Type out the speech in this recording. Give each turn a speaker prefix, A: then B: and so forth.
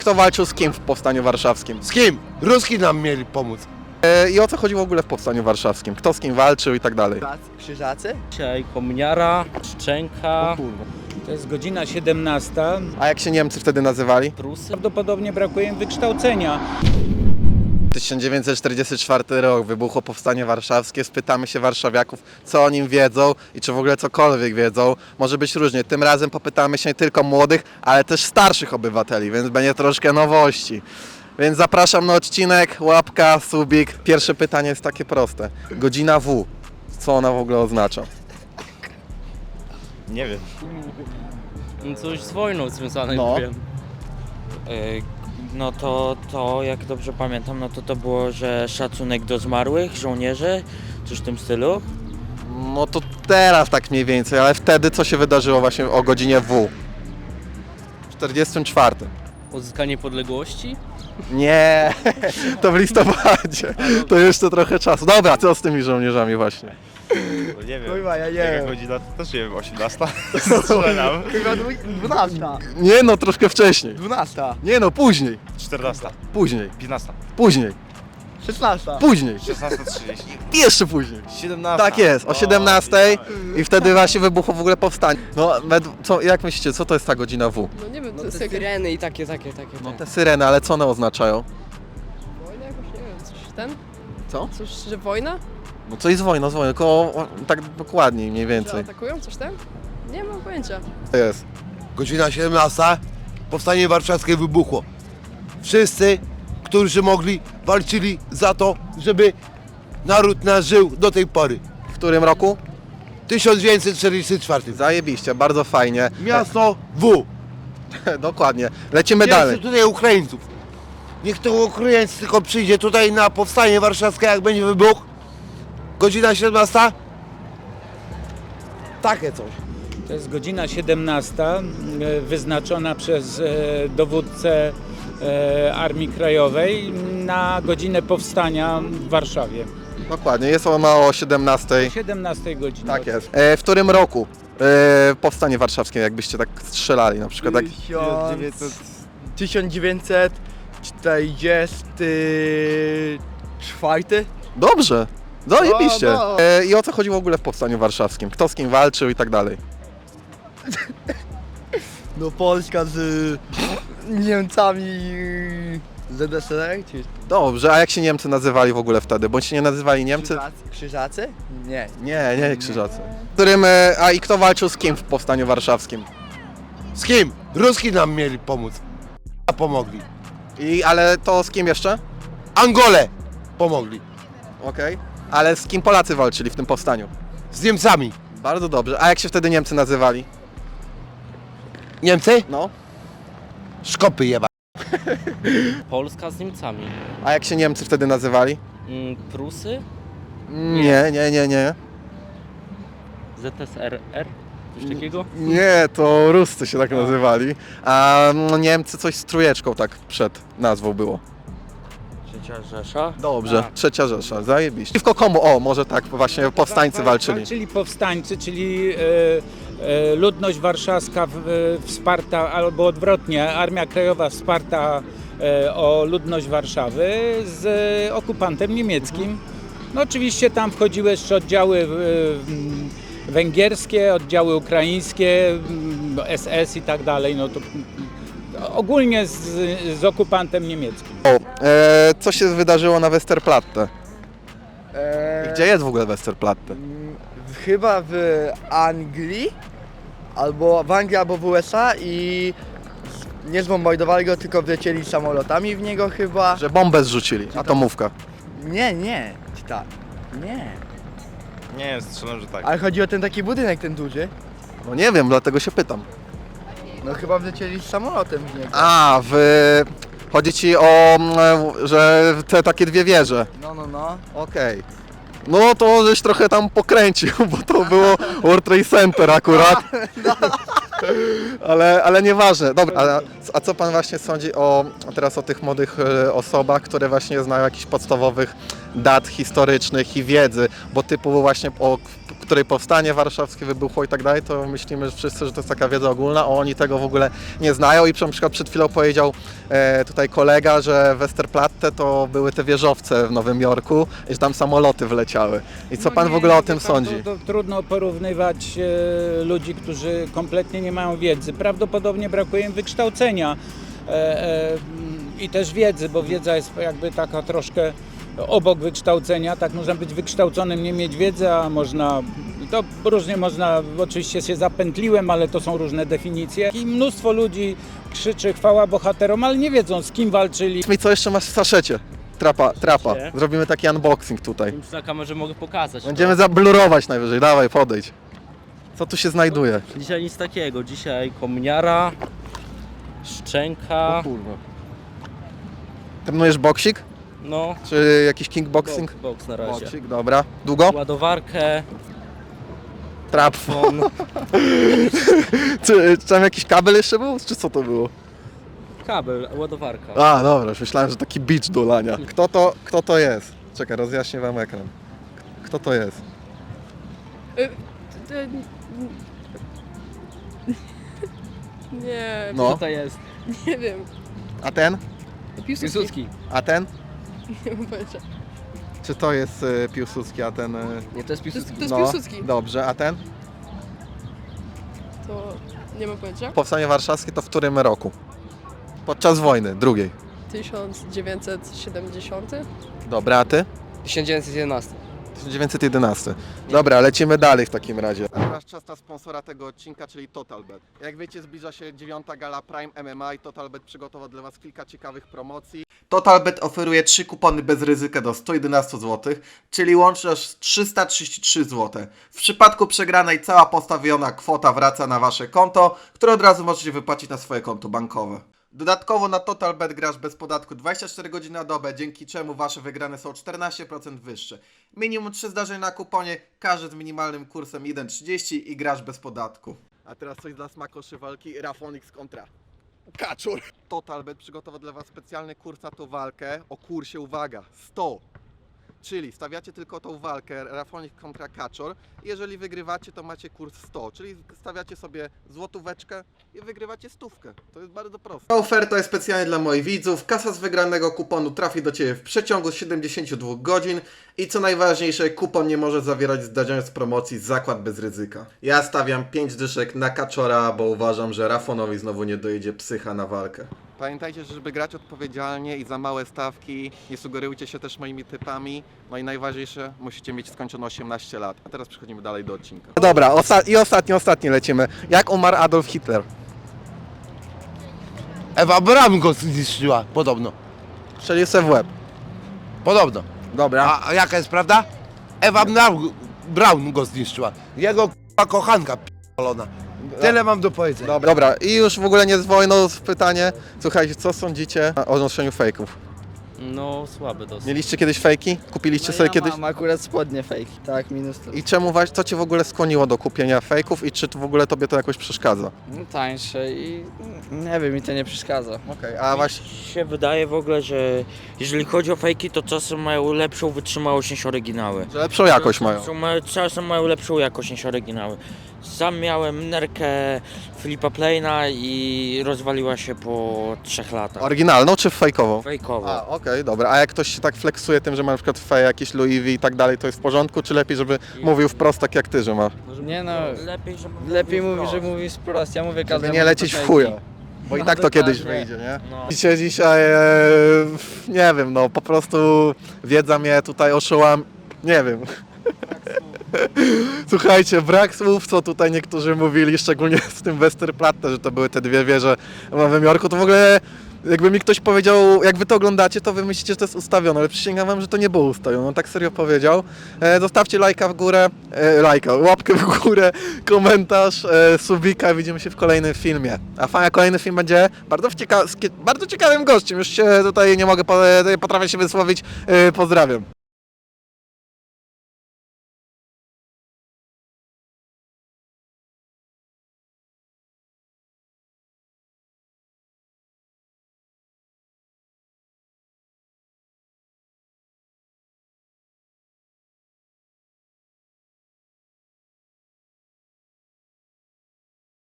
A: kto walczył z kim w Powstaniu Warszawskim?
B: Z kim? Ruski nam mieli pomóc.
A: I o co chodziło w ogóle w Powstaniu Warszawskim? Kto z kim walczył i tak dalej?
C: Krzyżacy?
D: Dzisiaj kominiara, szczęka,
E: To jest godzina 17.
A: A jak się Niemcy wtedy nazywali?
D: Prusy.
E: Prawdopodobnie brakuje im wykształcenia.
A: 1944 rok, wybuchło Powstanie Warszawskie. Spytamy się warszawiaków, co o nim wiedzą i czy w ogóle cokolwiek wiedzą. Może być różnie. Tym razem popytamy się nie tylko młodych, ale też starszych obywateli, więc będzie troszkę nowości. Więc zapraszam na odcinek, łapka, subik. Pierwsze pytanie jest takie proste. Godzina W. Co ona w ogóle oznacza?
F: Nie wiem.
D: Coś z wojną związane,
A: No.
D: wiem.
G: No to jak dobrze pamiętam, no to było, że szacunek do zmarłych żołnierzy, coś w tym stylu.
A: No to teraz tak mniej więcej, ale wtedy co się wydarzyło właśnie o godzinie W? W 44.
D: Odzyskanie niepodległości?
A: Nie, to w listopadzie. To jeszcze trochę czasu. Dobra, co z tymi żołnierzami właśnie?
F: No nie wiem.
C: Kurwa, ja nie
F: Jaka
C: wiem.
F: godzina? To też nie wiem, 18? Strzelam.
C: Chyba 12.
A: Nie no, troszkę wcześniej.
C: 12.
A: Nie no, później.
F: 14.
A: Później.
F: 15.
A: Później.
C: 16.
A: Później.
F: 16:30.
A: I jeszcze później.
F: 17.
A: Tak jest, o 17 i wtedy właśnie wybuchło w ogóle powstanie. No, jak myślicie, co to jest ta godzina W?
H: No nie wiem, to jest syreny i takie.
A: No te syreny, ale co one oznaczają?
H: Wojna jakoś, nie wiem, coś ten?
A: Co?
H: Coś, że wojna?
A: No coś z wojną, tylko tak dokładniej mniej
H: Że
A: więcej.
H: atakują, coś tam? Nie mam pojęcia.
A: To jest.
B: Godzina 17. Powstanie warszawskie wybuchło. Wszyscy, którzy mogli, walczyli za to, żeby naród nasz żył do tej pory.
A: W którym roku?
B: 1944.
A: Zajebiście, bardzo fajnie.
B: Miasto W.
A: Dokładnie. Lecimy
B: Dalej.
A: dalej.
B: tutaj Ukraińców. Niech to Ukraińcy tylko przyjdzie tutaj na powstanie warszawskie, jak będzie wybuch. Godzina 17. Takie coś.
E: To jest godzina 17, wyznaczona przez dowódcę Armii Krajowej na godzinę powstania w Warszawie.
A: Dokładnie, jest ona o 17.
E: 17 godziny.
A: Tak jest. W którym roku powstanie warszawskie, jakbyście tak strzelali na przykład? Tak?
C: 1944.
A: Dobrze, zajebiście.
C: No.
A: I o co chodziło w ogóle w powstaniu warszawskim? Kto z kim walczył i tak dalej?
C: No Polska z Niemcami ZSRR? Czy
A: Dobrze, a jak się Niemcy nazywali w ogóle wtedy? Bądź się nie nazywali Niemcy?
C: Krzyżacy? Nie.
A: Nie Krzyżacy. I kto walczył z kim w powstaniu warszawskim?
B: Z kim? Ruski nam mieli pomóc. A pomogli.
A: Ale to z kim jeszcze?
B: Angole pomogli.
A: Okej. Ale z kim Polacy walczyli w tym powstaniu?
B: Z Niemcami.
A: Bardzo dobrze. A jak się wtedy Niemcy nazywali?
B: Niemcy?
A: No.
B: Szkopy jeba.
D: Polska z Niemcami.
A: A jak się Niemcy wtedy nazywali?
D: Prusy?
A: Nie.
D: ZSRR? Coś takiego?
A: Nie, to Ruscy się tak nazywali. A Niemcy coś z trójeczką tak przed nazwą było.
G: Trzecia Rzesza.
A: Dobrze, Trzecia Rzesza, zajebiście. Przeciwko komu? O, może tak właśnie powstańcy walczyli.
E: Walczyli powstańcy, czyli ludność warszawska wsparta, albo odwrotnie, Armia Krajowa wsparta o ludność Warszawy z okupantem niemieckim. No oczywiście tam wchodziły jeszcze oddziały węgierskie, oddziały ukraińskie, SS i tak dalej, no to ogólnie z okupantem niemieckim.
A: Co się wydarzyło na Westerplatte? Gdzie jest w ogóle Westerplatte?
C: Chyba w Anglii, albo w Anglii, albo w USA i nie zbombardowali go, tylko wlecieli samolotami w niego chyba.
A: Że bombę zrzucili, atomówka.
C: Nie, tak. Nie.
F: Nie wiem, strzelam, że tak.
C: Ale chodzi o ten taki budynek, ten duży.
A: No nie wiem, dlatego się pytam.
C: No chyba wlecieli z samolotem w niego.
A: Chodzi ci o, że te takie dwie wieże.
C: No.
A: Okej. No to żeś trochę tam pokręcił, bo to było World Trade Center akurat. Ale nieważne. Dobra, a co pan właśnie sądzi teraz o tych młodych osobach, które właśnie znają jakichś podstawowych dat historycznych i wiedzy, bo typu właśnie której powstanie warszawskie wybuchło i tak dalej, to myślimy że wszyscy, że to jest taka wiedza ogólna, a oni tego w ogóle nie znają i na przykład przed chwilą powiedział tutaj kolega, że Westerplatte to były te wieżowce w Nowym Jorku i że tam samoloty wleciały. I co
E: No
A: pan
E: nie,
A: w ogóle o
E: wie
A: tym
E: pan,
A: sądzi?
E: To trudno porównywać ludzi, którzy kompletnie nie mają wiedzy. Prawdopodobnie brakuje im wykształcenia i też wiedzy, bo wiedza jest jakby taka troszkę obok wykształcenia. Tak, można być wykształconym, nie mieć wiedzy, a można, to różnie można, oczywiście się zapętliłem, ale to są różne definicje. I mnóstwo ludzi krzyczy chwała bohaterom, ale nie wiedzą z kim walczyli.
A: I co jeszcze masz w saszecie? Trapa.
D: Nie.
A: Zrobimy taki unboxing tutaj.
D: Już na kamerze mogę pokazać.
A: Będziemy zablurować najwyżej, dawaj podejdź. Co tu się znajduje?
D: Dzisiaj nic takiego. Dzisiaj kominiara, szczęka,
A: kurwa. Trenujesz boksik?
D: no,
A: Czy jakiś kickboxing?
D: boks na razie.
A: Boksik, dobra. Długo?
D: Ładowarkę,
A: Trap.
D: fon,
A: Czy tam jakiś kabel jeszcze był? Czy co to było?
D: kabel, ładowarka.
A: A, dobra, już myślałem, że taki beach do lania. Kto to jest? Czekaj, rozjaśnię wam ekran. Kto to jest?
H: Nie,
A: No.
D: Co to jest?
H: nie wiem.
A: A ten?
H: Piłsudski.
A: A ten?
H: Nie mam pojęcia.
A: Czy to jest Piłsudski, a ten...
H: Nie, to jest Piłsudski. To jest
A: no,
H: Piłsudski.
A: dobrze, a ten?
H: To nie mam pojęcia.
A: Powstanie warszawskie to w którym roku? Podczas wojny, drugiej.
H: 1970?
A: Dobra, a ty?
H: 1911.
A: 1911. Dobra, lecimy dalej w takim razie. Teraz czas na sponsora tego odcinka, czyli TotalBet. Jak wiecie, zbliża się 9. gala Prime MMA i TotalBet przygotował dla Was kilka ciekawych promocji. TotalBet oferuje 3 kupony bez ryzyka do 111 zł, czyli łącznie aż 333 zł. W przypadku przegranej cała postawiona kwota wraca na Wasze konto, które od razu możecie wypłacić na swoje konto bankowe. Dodatkowo na TotalBet grasz bez podatku 24 godziny na dobę, dzięki czemu Wasze wygrane są 14% wyższe. Minimum 3 zdarzenia na kuponie, każdy z minimalnym kursem 1,30 i grasz bez podatku. A teraz coś dla smakoszy walki Rafonix kontra Kaczor. TotalBet przygotował dla Was specjalny kurs na tą walkę o kursie, uwaga, 100. Czyli stawiacie tylko tą walkę Rafonix kontra Kaczor. Jeżeli wygrywacie, to macie kurs 100, czyli stawiacie sobie złotóweczkę i wygrywacie stówkę. To jest bardzo proste. Ta oferta jest specjalnie dla moich widzów. Kasa z wygranego kuponu trafi do Ciebie w przeciągu 72 godzin i co najważniejsze, kupon nie może zawierać zdarzeń z promocji zakład bez ryzyka. Ja stawiam 5 dyszek na Kaczora, bo uważam, że Rafonowi znowu nie dojedzie psycha na walkę. Pamiętajcie, że żeby grać odpowiedzialnie i za małe stawki, nie sugerujcie się też moimi typami. No i najważniejsze, musicie mieć skończone 18 lat. A teraz przechodzimy dalej do odcinka. Dobra, ostatni lecimy. Jak umarł Adolf Hitler?
B: Ewa Braun go zniszczyła, podobno.
A: Strzelił se w łeb.
B: Podobno.
A: Dobra.
B: A jaka jest prawda? Ewa Braun go zniszczyła. Jego k***a kochanka p***olona. Tyle mam do powiedzenia.
A: Dobra, i już w ogóle nie z wojną pytanie. Słuchajcie, co sądzicie o noszeniu fejków?
D: No, słaby dosyć.
A: Mieliście kiedyś fejki? Kupiliście sobie kiedyś?
C: Mam akurat spodnie fake. Tak, minus to.
A: I co Cię w ogóle skłoniło do kupienia fejków i czy w ogóle Tobie to jakoś przeszkadza?
C: No, tańsze i nie wiem, mi to nie przeszkadza.
A: Okej, a właśnie...
G: Mi się wydaje w ogóle, że jeżeli chodzi o fejki, to czasem mają lepszą wytrzymałość niż oryginały.
A: Że lepszą jakość mają.
G: Czasem mają lepszą jakość niż oryginały. Sam miałem nerkę Filipa Pleina i rozwaliła się po 3 latach.
A: Oryginalną czy fejkową?
G: Fejkowo.
A: A, okej, dobra. A jak ktoś się tak flexuje tym, że ma na przykład fej, jakieś Louis V i tak dalej, to jest w porządku? Czy lepiej, żeby mówił wprost tak jak Ty, że ma?
C: Nie no,
G: Lepiej,
C: mówi, że mówi wprost. Ja mówię
A: Żeby
C: każdemu.
A: nie lecieć w chuja. Bo i tak to kiedyś wyjdzie, nie?
G: No.
A: Dzisiaj, nie wiem, no po prostu wiedza mnie tutaj oszyłam, nie wiem. Słuchajcie, brak słów, co tutaj niektórzy mówili, szczególnie z tym Westerplatte, że to były te dwie wieże w Nowym Jorku, to w ogóle jakby mi ktoś powiedział, jak wy to oglądacie, to wy myślicie, że to jest ustawione, ale przysięgam wam, że to nie było ustawione, on tak serio powiedział. Zostawcie lajka w górę, łapkę w górę, komentarz, subika, widzimy się w kolejnym filmie. A kolejny film będzie bardzo ciekawym gościem, już się tutaj nie mogę, potrafię się wysłowić, pozdrawiam.